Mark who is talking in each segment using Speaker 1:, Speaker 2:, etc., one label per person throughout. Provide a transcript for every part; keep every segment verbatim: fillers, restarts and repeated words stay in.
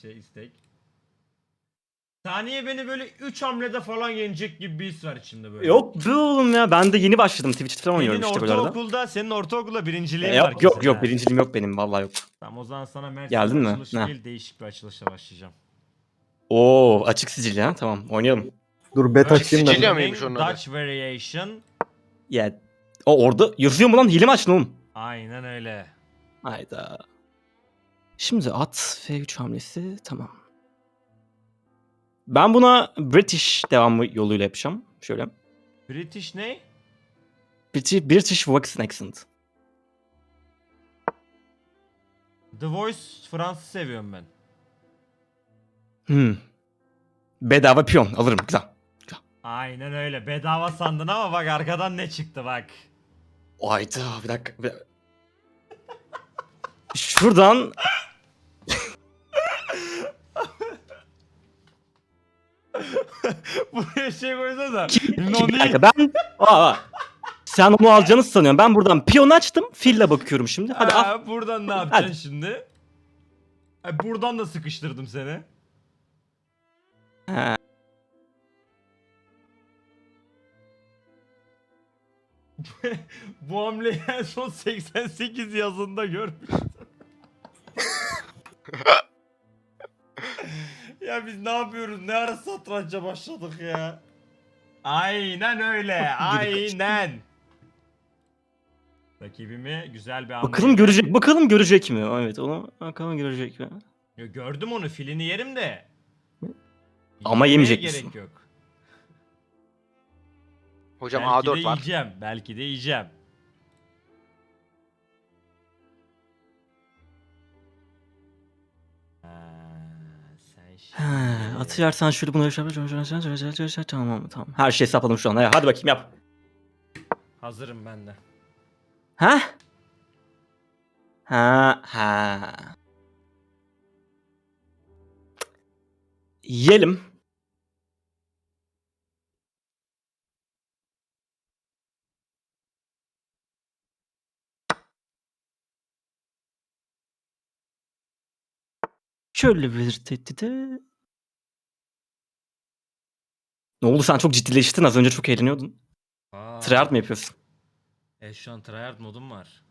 Speaker 1: şey istek. Saniye beni böyle üç hamlede falan yenecek gibi bir his var içimde böyle.
Speaker 2: Yok be oğlum ya. Ben de yeni başladım. Twitch'te falan oynuyorum
Speaker 1: Senin
Speaker 2: işte böyle arada.
Speaker 1: ortaokulda, senin ortaokulda birinciliğin
Speaker 2: E,
Speaker 1: var
Speaker 2: yok yok
Speaker 1: kesin
Speaker 2: yok.
Speaker 1: ha.
Speaker 2: Birinciliğim yok benim. Vallahi yok.
Speaker 1: Tamam o zaman sana Mert'in
Speaker 2: Geldin mi?
Speaker 1: açılışı
Speaker 2: Ne?
Speaker 1: değil değişik bir açılışla başlayacağım.
Speaker 2: Oo, açık sicil ya. Tamam, oynayalım.
Speaker 3: Dur bet
Speaker 1: Work
Speaker 3: açayım da.
Speaker 4: Sicilya
Speaker 3: bir.
Speaker 4: mıymış onun adı?
Speaker 1: Dutch Variation.
Speaker 2: Ya o orada yazıyor mu lan? Hile mi açtın oğlum?
Speaker 1: Aynen öyle.
Speaker 2: Hayda. Şimdi at F üç hamlesi. Tamam. Ben buna British devamı yoluyla yapacağım. Şöyle.
Speaker 1: British ne?
Speaker 2: British, British Waxen Accent.
Speaker 1: The Voice Fransız seviyorum ben.
Speaker 2: Hmm. Bedava piyon alırım. Güzel.
Speaker 1: Aynen öyle. Bedava sandın ama bak arkadan ne çıktı bak.
Speaker 2: Hayda bir dakika. Bir dakika. Şuradan
Speaker 1: Buraya şey koysa da.
Speaker 2: bir
Speaker 1: Noni.
Speaker 2: dakika ben aa, sen onu alacağını sanıyorsun. Ben buradan piyon açtım. Fille bakıyorum şimdi. Hadi al.
Speaker 1: Ha, buradan ne yapacaksın
Speaker 2: Hadi.
Speaker 1: şimdi? Ha, buradan da sıkıştırdım seni.
Speaker 2: Ha.
Speaker 1: Bu hamleyi en son seksen sekiz yazında görmüştüm. Ya biz ne yapıyoruz? Ne ara satranca başladık ya? Aynen öyle. Aynen. Rakibimi güzel bir hamle.
Speaker 2: Bakalım görecek. Bakalım görecek mi? Evet, onu bakalım görecek mi?
Speaker 1: Ya gördüm onu, filini yerim de.
Speaker 2: Ama
Speaker 1: Yemeye
Speaker 2: yemeyecek
Speaker 1: gerek
Speaker 2: misin?
Speaker 1: yok.
Speaker 4: Hocam
Speaker 1: Belki
Speaker 4: A dört
Speaker 1: de
Speaker 4: var.
Speaker 1: yiyeceğim. Belki de yiyeceğim. Ha, sen şimdi...
Speaker 2: Ha, atıyarsan şöyle bunu tamam tamam. Her şeyi hesapladım şu an. Hadi bakayım yap.
Speaker 1: Hazırım ben de.
Speaker 2: Ha? Ha ha. Yiyelim. Şöyle bir tehdide. Ne oldu, sen çok ciddileştin, az önce çok eğleniyordun.
Speaker 1: Aa,
Speaker 2: Tryhard mı yapıyorsun?
Speaker 1: E şu an tryhard modum var.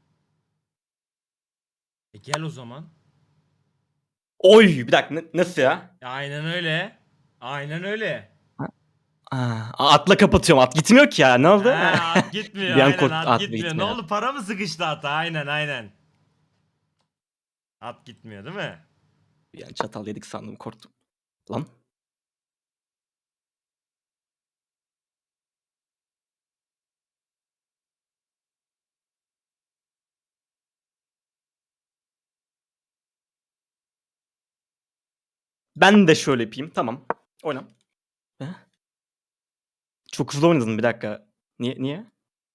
Speaker 1: E gel o zaman.
Speaker 2: Oy bir dakika, ne- nasıl ya?
Speaker 1: E, aynen öyle. Aynen öyle.
Speaker 2: Aa, atla kapatıyorum, at gitmiyor ki ya, ne oldu?
Speaker 1: Ha, at gitmiyor
Speaker 2: Bir an
Speaker 1: aynen
Speaker 2: korktum,
Speaker 1: at,
Speaker 2: at
Speaker 1: gitmiyor. Ne
Speaker 2: gitmiyor.
Speaker 1: oldu, para mı sıkıştı ata? Aynen aynen. At gitmiyor değil mi?
Speaker 2: Bir an çatal yedik sandım, korktum. Lan. Ben de şöyle yapayım, tamam. Oyna. He? Çok hızlı oynadın, bir dakika. Niye? Niye?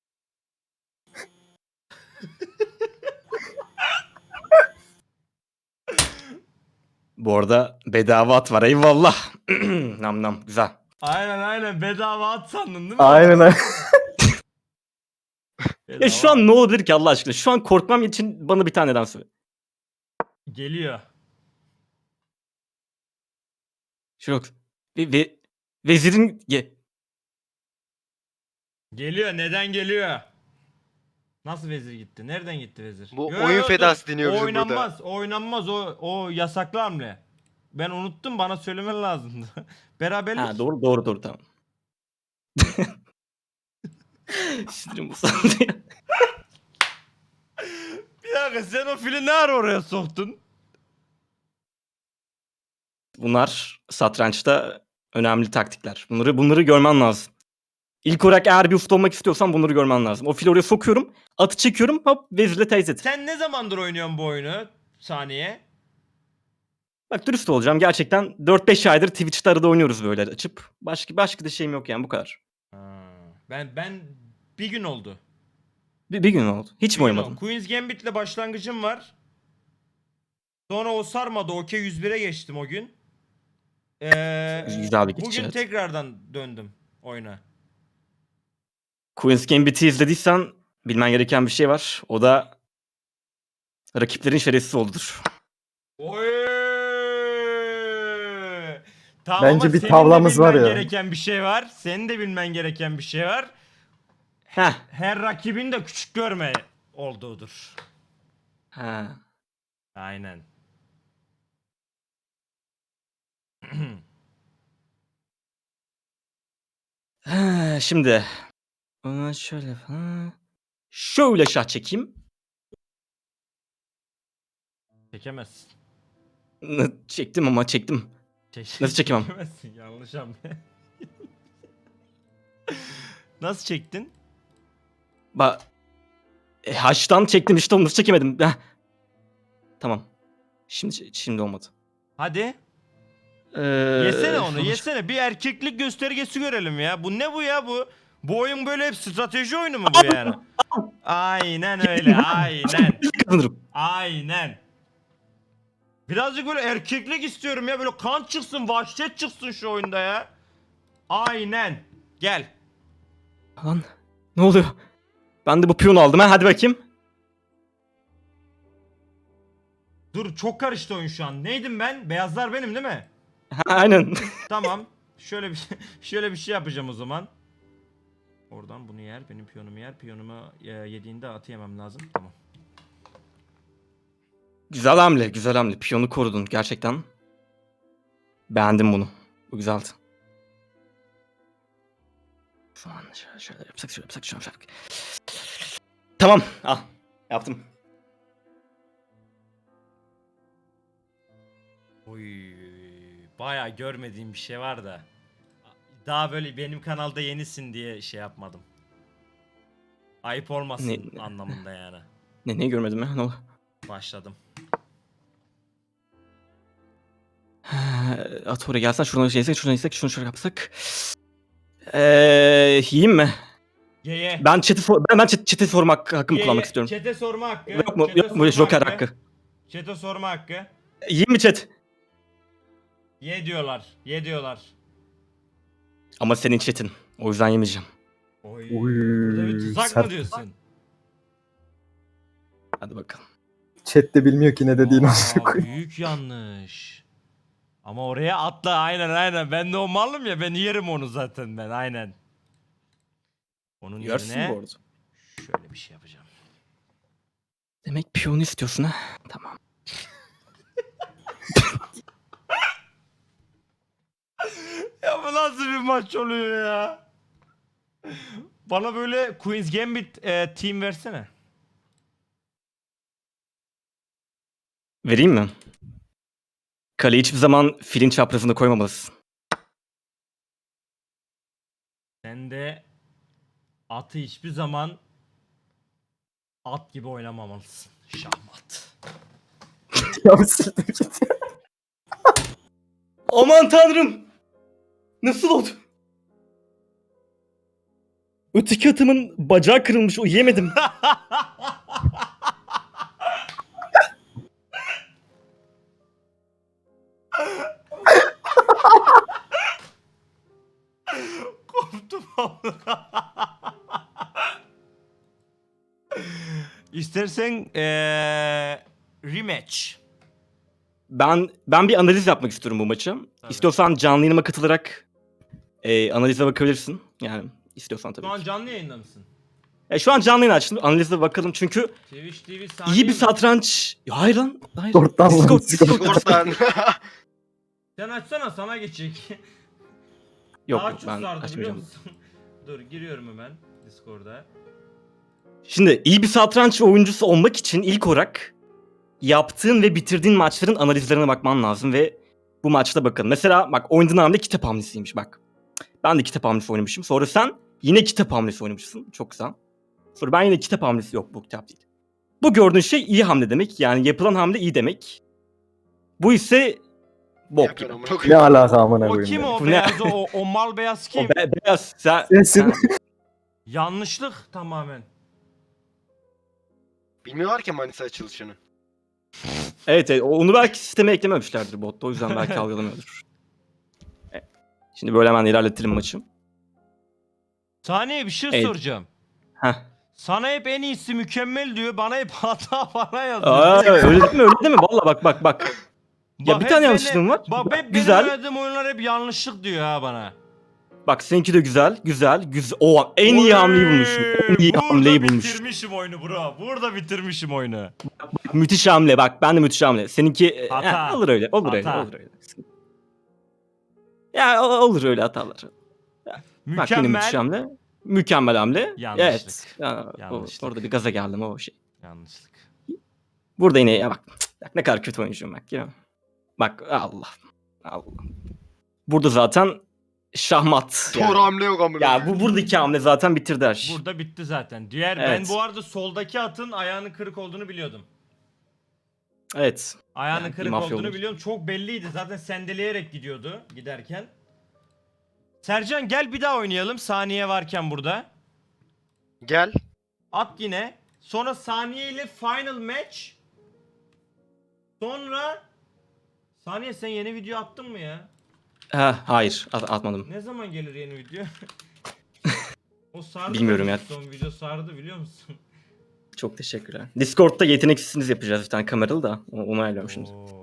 Speaker 2: Bu arada bedava at var, eyvallah. Nam nam, güzel.
Speaker 1: Aynen aynen, bedava at sandın değil mi?
Speaker 3: Aynen aynen.
Speaker 1: Bedava
Speaker 2: Ya şu an ne olabilir ki Allah aşkına? Şu an korkmam için bana bir taneden söyle.
Speaker 1: geliyor.
Speaker 2: Şu yok. Ve, ve vezirin ye.
Speaker 1: Geliyor, neden geliyor? Nasıl vezir gitti? Nereden gitti vezir?
Speaker 4: Bu
Speaker 1: Yo,
Speaker 4: oyun
Speaker 1: yo, dur.
Speaker 4: fedası deniyor
Speaker 1: O
Speaker 4: bizim
Speaker 1: oynanmaz.
Speaker 4: burada.
Speaker 1: O oynanmaz. O o yasaklı hamle. Ben unuttum, bana söylemen lazımdı. Beraberlik.
Speaker 2: Ha doğru doğru doğru tamam. Sinirim bozuldu ya.
Speaker 1: Bir dakika, sen o fili ne ara oraya soktun?
Speaker 2: Bunlar satrançta önemli taktikler. Bunları bunları görmen lazım. İlk olarak eğer bir usta olmak istiyorsan bunları görmen lazım. O fili oraya sokuyorum, atı çekiyorum, hop vezirle teyze.
Speaker 1: Sen ne zamandır oynuyorsun bu oyunu? Saniye.
Speaker 2: Bak dürüst olacağım, gerçekten dört beş aydır Twitch'te arada oynuyoruz böyle açıp. Başka başka da şeyim yok yani, bu kadar.
Speaker 1: Ha, ben ben bir gün oldu.
Speaker 2: Bir, bir gün oldu. Hiç mi
Speaker 1: Bir gün
Speaker 2: oynamadın?
Speaker 1: oldu. Queen's Gambit'le başlangıcım var. Sonra o sarmadı. Okey yüz bire geçtim o gün. Ee,
Speaker 2: Güzel bir geçiş,
Speaker 1: bugün
Speaker 2: evet.
Speaker 1: tekrardan döndüm oyuna.
Speaker 2: Queen's Gambit'i izlediysen bilmen gereken bir şey var. O da rakiplerin şerefsiz olduğudur.
Speaker 1: Oy! Tamam
Speaker 3: Bence
Speaker 1: ama
Speaker 3: bir
Speaker 1: senin
Speaker 3: tavlamız
Speaker 1: de
Speaker 3: var
Speaker 1: bilmen
Speaker 3: ya.
Speaker 1: gereken bir şey var. Senin de bilmen gereken bir şey var.
Speaker 2: Heh.
Speaker 1: Her rakibin de küçük görme olduğudur.
Speaker 2: Ha.
Speaker 1: Aynen.
Speaker 2: Ha, şimdi. Ona şöyle falan. Şöyle şah çekeyim.
Speaker 1: Çekemezsin.
Speaker 2: N- Çektim ama çektim.
Speaker 1: Çek-
Speaker 2: Nasıl çekemem?
Speaker 1: Çekemezsin, yanlış hamle. Nasıl çektin?
Speaker 2: Ba e, Haçtan çektim işte onu nasıl çekemedim. Heh. Tamam. Şimdi şimdi olmadı.
Speaker 1: Hadi.
Speaker 2: Ee,
Speaker 1: Yesene onu,
Speaker 2: sonuç-
Speaker 1: yesene. Bir erkeklik göstergesi görelim ya. Bu ne bu ya bu? Bu oyun böyle hep strateji oyunu mu bu yani? Aynen öyle, aynen.
Speaker 2: Kazanırım.
Speaker 1: Aynen. Birazcık böyle erkeklik istiyorum ya. Böyle kan çıksın, vahşet çıksın şu oyunda ya. Aynen. Gel.
Speaker 2: Lan ne oluyor? Ben de bu piyonu aldım ha hadi bakayım.
Speaker 1: Dur, çok karıştı oyun şu an. Neydim ben? Beyazlar benim değil mi?
Speaker 2: Ha, aynen.
Speaker 1: Tamam. Şöyle bir şöyle bir şey yapacağım o zaman. Oradan bunu yer, benim piyonumu yer. Piyonumu e, yediğinde atı yemem lazım. Tamam.
Speaker 2: Güzel hamle, güzel hamle. Piyonu korudun gerçekten. Beğendim bunu. Bu güzeldi. Şu an şöyle, şöyle yapsak, şöyle yapsak, şöyle yapsak. Tamam, al. Yaptım.
Speaker 1: Oy, bayağı görmediğim bir şey var da. Daha böyle benim kanalda yenisin diye şey yapmadım. Ayıp olmasın
Speaker 2: Ne-
Speaker 1: anlamında yani.
Speaker 2: Ne, ne görmedim ya? Ne oldu?
Speaker 1: Başladım.
Speaker 2: At oraya gelsen, şuradan şey yesek, şuradan yesek, şunu şöyle yapsak. Eee, yiyeyim mi?
Speaker 1: Ye ye.
Speaker 2: Ben chat'i for- ben, ben chat, chat'i sorma hakkı, hakkımı
Speaker 1: Ye,
Speaker 2: kullanmak
Speaker 1: ye.
Speaker 2: istiyorum.
Speaker 1: Chat'e sorma hakkı.
Speaker 2: Yok mu?
Speaker 1: Chat'e
Speaker 2: Yok mu?
Speaker 1: sorma
Speaker 2: Joker hakkı.
Speaker 1: Chat'e sorma hakkı.
Speaker 2: Yiyeyim mi chat?
Speaker 1: Ye diyorlar. Ye diyorlar.
Speaker 2: Ama senin chat'in. O yüzden yemeyeceğim.
Speaker 1: Oy.
Speaker 3: Uy,
Speaker 1: Burada bir tuzak mı
Speaker 3: sert.
Speaker 1: diyorsun?
Speaker 2: Hadi bakalım.
Speaker 3: Chat de bilmiyor ki ne dediğini.
Speaker 1: Aa, büyük yanlış. Ama oraya atla, aynen aynen. Ben de o malım ya, ben yerim onu zaten ben, aynen. Onun
Speaker 2: Yersin
Speaker 1: yerine
Speaker 2: bu arada.
Speaker 1: şöyle bir şey yapacağım.
Speaker 2: Demek piyonu istiyorsun ha? Tamam.
Speaker 1: Ya bu nasıl bir maç oluyor ya? Bana böyle Queen's Gambit e, team versene.
Speaker 2: Vereyim mi? Kaleyi hiçbir zaman filin çaprazında koymamalısın.
Speaker 1: Sen de atı hiçbir zaman at gibi oynamamalısın. Şahmat.
Speaker 3: Ya siktir git.
Speaker 2: Aman tanrım! Nasıl oldu? Öteki atımın bacağı kırılmış, o yemedim.
Speaker 1: Koptum. İstersen eee rematch.
Speaker 2: Ben ben bir analiz yapmak istiyorum bu maçı.
Speaker 1: Tabii.
Speaker 2: İstiyorsan canlı yayınıma katılarak e, analize bakabilirsin. Yani istiyorsan tabii
Speaker 1: Şu an
Speaker 2: ki.
Speaker 1: canlı yayında mısın?
Speaker 2: E, şu an canlı yayın açtım. Analize bakalım çünkü
Speaker 1: Twitch T V saniye
Speaker 2: iyi bir
Speaker 1: mi?
Speaker 2: satranç... Ya hayır lan. Hayır.
Speaker 3: Discord'dan lan,
Speaker 2: Discord,
Speaker 3: Discord.
Speaker 2: Discord.
Speaker 4: Oradan.
Speaker 1: Sen açsana, sana geçecek.
Speaker 2: Yok
Speaker 1: Daha
Speaker 2: yok
Speaker 1: çok
Speaker 2: ben
Speaker 1: sardı, biliyor
Speaker 2: açmayacağım.
Speaker 1: musun? Dur, giriyorum hemen Discord'a.
Speaker 2: Şimdi iyi bir satranç oyuncusu olmak için ilk olarak yaptığın ve bitirdiğin maçların analizlerine bakman lazım ve bu maçta bakalım. Mesela bak oynadığın hamle kitap hamlesiymiş bak. Ben de kitap hamlesi oynamışım. Sonra sen yine kitap hamlesi oynamışsın. Çok güzel. Sonra ben yine kitap hamlesi yok bu kitap değil. Bu gördüğün şey iyi hamle demek. Yani yapılan hamle iyi demek. Bu ise bok gibi.
Speaker 3: Ne alaka amına
Speaker 1: O
Speaker 3: koyayım.
Speaker 1: kim
Speaker 3: ya.
Speaker 1: o
Speaker 2: Bu ne?
Speaker 1: beyaz, o, o mal beyaz
Speaker 2: O
Speaker 1: kim?
Speaker 2: be- beyaz sen,
Speaker 3: Sensin.
Speaker 2: sen-
Speaker 1: Yanlışlık tamamen.
Speaker 4: Bilmiyorlar ki Manisa açılışını.
Speaker 2: Evet, evet onu belki sisteme eklememişlerdir botta. O yüzden belki algılamıyordur. Evet. Şimdi böyle hemen ilerletelim maçı.
Speaker 1: Saniye bir şey
Speaker 2: Evet.
Speaker 1: soracağım.
Speaker 2: Heh.
Speaker 1: Sana hep en iyisi mükemmel diyor. Bana hep hata bana yazıyor.
Speaker 2: Aa, öyle değil mi? Öyle değil mi? Valla bak bak bak. Ya bir
Speaker 1: hep
Speaker 2: tane
Speaker 1: beni-
Speaker 2: yanlışlığım var.
Speaker 1: Bak hep benim
Speaker 2: Güzel.
Speaker 1: oynadığım oyunlar hep yanlışlık diyor ha bana.
Speaker 2: Bak seninki de güzel, güzel, güzel. O en iyi hamleyi bulmuşum. En iyi
Speaker 1: Burada
Speaker 2: hamleyi bulmuşum.
Speaker 1: bitirmişim oyunu bro. Burada bitirmişim oyunu.
Speaker 2: Müthiş hamle bak. Ben de müthiş hamle. Seninki e,
Speaker 1: Hata.
Speaker 2: he, olur öyle. Olur öyle.
Speaker 1: Hata.
Speaker 2: Olur öyle. Ya o- olur öyle hatalar. Bak yine müthiş
Speaker 1: Mükemmel.
Speaker 2: hamle. Mükemmel hamle.
Speaker 1: Yanlışlık.
Speaker 2: Evet. Ya, o-
Speaker 1: Yanlışlık.
Speaker 2: orada bir gaza geldim o şey.
Speaker 1: Yanlışlık.
Speaker 2: Burada yine ya bak, cık, bak ne kadar kötü oyuncuyum bak ya. Bak Allah. Allah. Burada zaten şahmat.
Speaker 4: Tor
Speaker 2: Yani.
Speaker 4: hamle yok amına.
Speaker 2: Ya bu buradaki hamle zaten bitirdi her şeyi.
Speaker 1: Burada bitti zaten. Diğer ben
Speaker 2: Evet.
Speaker 1: bu arada soldaki atın ayağının kırık olduğunu biliyordum.
Speaker 2: Evet.
Speaker 1: Ayağının
Speaker 2: Yani bir
Speaker 1: kırık
Speaker 2: mafya
Speaker 1: olduğunu
Speaker 2: olmuş.
Speaker 1: biliyorum. Çok belliydi. Zaten sendeleyerek gidiyordu giderken. Sercan gel bir daha oynayalım. Saniye varken burada.
Speaker 4: Gel.
Speaker 1: At yine. Sonra saniye ile final match. Sonra Saniye sen yeni video attın mı ya?
Speaker 2: Ha, hayır at- atmadım.
Speaker 1: Ne zaman gelir yeni video? O sardı.
Speaker 2: Bilmiyorum
Speaker 1: beni,
Speaker 2: ya.
Speaker 1: Son video sardı biliyor musun?
Speaker 2: Çok teşekkürler. Discord'da yeteneksizsiniz yapacağız bir tane kameralı da. Onu ayarlıyorum şimdi.
Speaker 1: Oo.